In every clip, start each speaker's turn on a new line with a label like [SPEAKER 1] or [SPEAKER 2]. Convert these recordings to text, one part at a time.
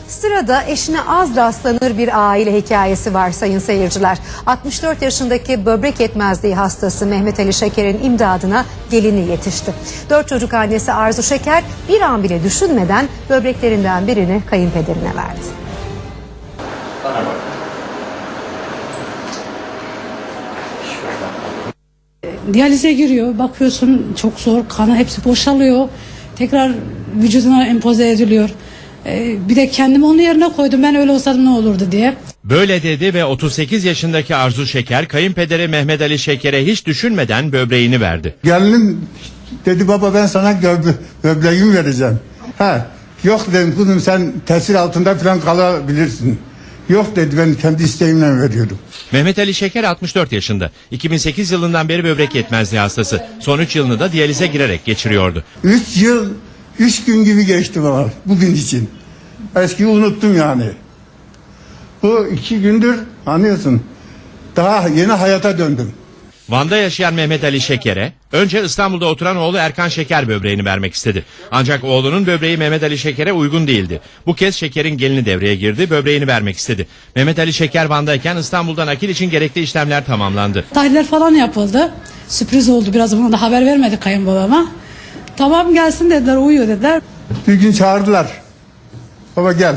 [SPEAKER 1] Sırada eşine az rastlanır bir aile hikayesi var sayın seyirciler. 64 yaşındaki böbrek yetmezliği hastası Mehmet Ali Şeker'in imdadına gelini yetişti. 4 çocuk annesi Arzu Şeker bir an bile düşünmeden böbreklerinden birini kayınpederine verdi.
[SPEAKER 2] Bana bak.
[SPEAKER 3] Diyalize giriyor, bakıyorsun çok zor, kanı hepsi boşalıyor, tekrar vücuduna empoze ediliyor. Bir de kendimi onun yerine koydum, ben öyle olsaydım ne olurdu diye.
[SPEAKER 4] Böyle dedi ve 38 yaşındaki Arzu Şeker kayınpederi Mehmet Ali Şeker'e hiç düşünmeden böbreğini verdi.
[SPEAKER 5] Gelinim dedi, baba ben sana böbreğimi vereceğim. Yok dedim kızım, sen tesir altında falan kalabilirsin. Yok dedi, ben kendi isteğimle veriyorum.
[SPEAKER 4] Mehmet Ali Şeker 64 yaşında. 2008 yılından beri böbrek yetmezliği hastası. Son 3 yılını da diyalize girerek geçiriyordu.
[SPEAKER 5] 3 yıl 3 gün gibi geçti bana bugün için. Eskiyi unuttum yani. Bu 2 gündür anlıyorsun. Daha yeni hayata döndüm.
[SPEAKER 4] Van'da yaşayan Mehmet Ali Şeker'e önce İstanbul'da oturan oğlu Erkan Şeker böbreğini vermek istedi. Ancak oğlunun böbreği Mehmet Ali Şeker'e uygun değildi. Bu kez Şeker'in gelini devreye girdi, böbreğini vermek istedi. Mehmet Ali Şeker Van'dayken İstanbul'da nakil için gerekli işlemler tamamlandı.
[SPEAKER 3] Tahliller falan yapıldı. Sürpriz oldu, biraz bana da haber vermedi kayınbabama. Tamam gelsin dediler, uyuyor dediler.
[SPEAKER 5] Bir gün çağırdılar. Baba gel.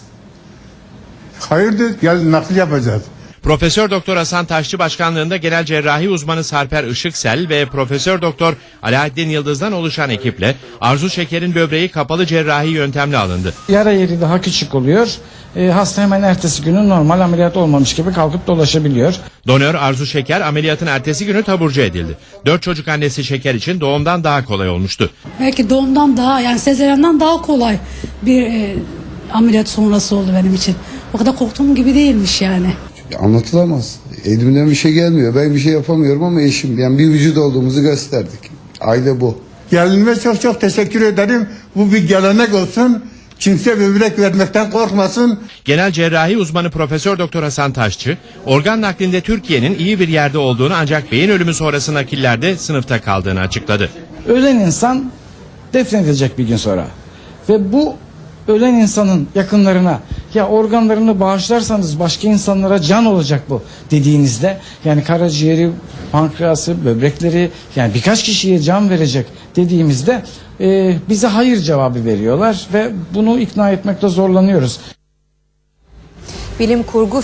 [SPEAKER 5] Hayırdır, gel nakil yapacağız.
[SPEAKER 4] Profesör Doktor Hasan Taşçı başkanlığında genel cerrahi uzmanı Sarper Işıksel ve Profesör Doktor Alaaddin Yıldız'dan oluşan ekiple Arzu Şeker'in böbreği kapalı cerrahi yöntemle alındı.
[SPEAKER 6] Yara yeri daha küçük oluyor. Hasta hemen ertesi günü normal ameliyat olmamış gibi kalkıp dolaşabiliyor.
[SPEAKER 4] Donör Arzu Şeker ameliyatın ertesi günü taburcu edildi. 4 çocuk annesi Şeker için doğumdan daha kolay olmuştu.
[SPEAKER 3] Belki doğumdan daha, yani sezeryenden daha kolay bir ameliyat sonrası oldu benim için. O kadar korktuğum gibi değilmiş yani.
[SPEAKER 7] Anlatılamaz. Elimden bir şey gelmiyor. Ben bir şey yapamıyorum ama eşim, yani bir vücut olduğumuzu gösterdik. Aile bu.
[SPEAKER 5] Gelinime çok çok teşekkür ederim. Bu bir gelenek olsun. Kimse böbrek vermekten korkmasın.
[SPEAKER 4] Genel cerrahi uzmanı Profesör Doktor Hasan Taşçı, organ naklinde Türkiye'nin iyi bir yerde olduğunu ancak beyin ölümü sonrası nakillerde sınıfta kaldığını açıkladı.
[SPEAKER 6] Ölen insan defnedilecek bir gün sonra. Ve bu ölen insanın yakınlarına, ya organlarını bağışlarsanız başka insanlara can olacak bu dediğinizde, yani karaciğeri, pankreası, böbrekleri, yani birkaç kişiye can verecek dediğimizde bize hayır cevabı veriyorlar ve bunu ikna etmekte zorlanıyoruz.
[SPEAKER 1] Bilim kurgu